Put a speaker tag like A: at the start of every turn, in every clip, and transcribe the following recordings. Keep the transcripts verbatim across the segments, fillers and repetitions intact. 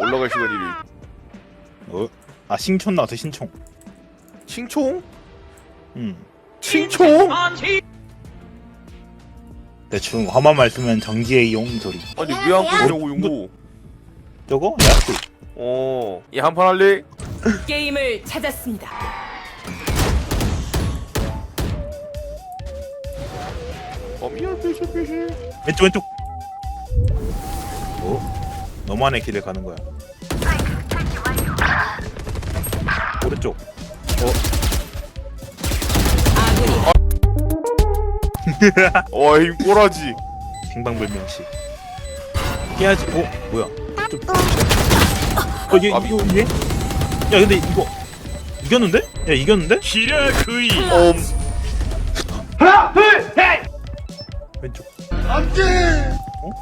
A: 올라갈 시간이래.
B: 어? 아 신촌 나왔어 신총.
A: 칭총?
B: 음.
A: 칭총?
B: 대충 화마말 쓰면 정지의 용 소리.
A: 아니 왜 안 끊냐고 용고.
B: 저거? 야스.
A: 어. 얘 한 판 할래?
C: 게임을 찾았습니다.
A: 어 미안 빼시 빼시.
B: 왼쪽 왼쪽. 어? 너만의 길을 가는 거야. 오른쪽. 어?
C: 아군이
A: 어이 꼬라지.
B: 빙방불명시. 깨야지. 어? 뭐야? 좀. 어, 얘, 이거, 얘? 야, 근데 이거. 이겼는데? 야, 이겼는데?
D: 히라구이.
A: 엄.
B: 왼쪽. 안 돼!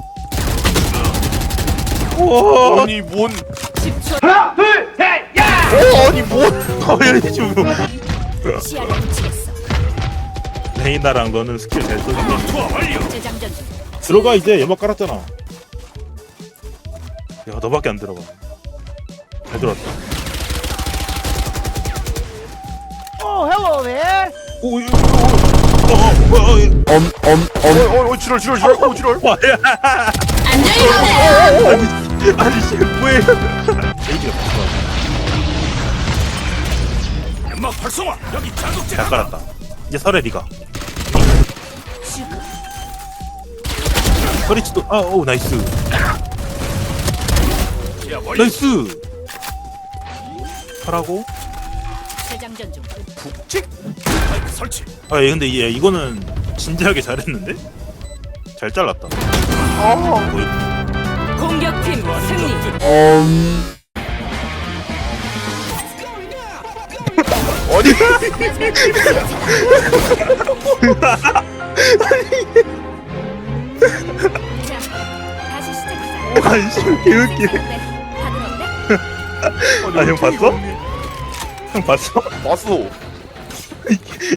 B: 어? 우와!
A: 아니 뭔?
C: 십 초
A: 어 아니 뭔?
B: 어, 야, 지금.
C: 시야를 붙이겠어.
B: 레이나랑 너는 스킬 잘 쏘는데.
D: 투하 완료.
C: 재장전 중.
B: 들어가, 이제. 연막 깔았잖아. 야, 너밖에 안 들어가. 잘 들어왔다.
E: Oh, hello there.
B: 오, 이거, 어, 어, 어, 어, 엄, 엄, 엄.
A: 어어 지랄 지랄 지랄 어 지랄.
B: 와, 야.
C: 안녕히 가세요.
B: 아니, 아니, 씨, 뭐해. 에이지가 봤어.
D: 연막 활성화. 여기 자극제.
B: 잘 깔았다. 이제 설에 니가. 서리치도, 아, 오, 나이스.
D: 야 멀리.
B: 나이스. 하라고?
C: 재장전 중.
A: 북직?
D: 마이크 설치.
B: 아, 얘 근데 얘 이거는 진지하게 잘했는데? 잘 잘랐다.
A: 아.
B: 거의.
C: 공격팀 승리.
A: 어디?
C: 자, 다시 시작하자.
B: 아이씨, 개웃기네.
C: 다들 어때?
B: 아, 형 봤어? 형 봤어?
A: 봤어.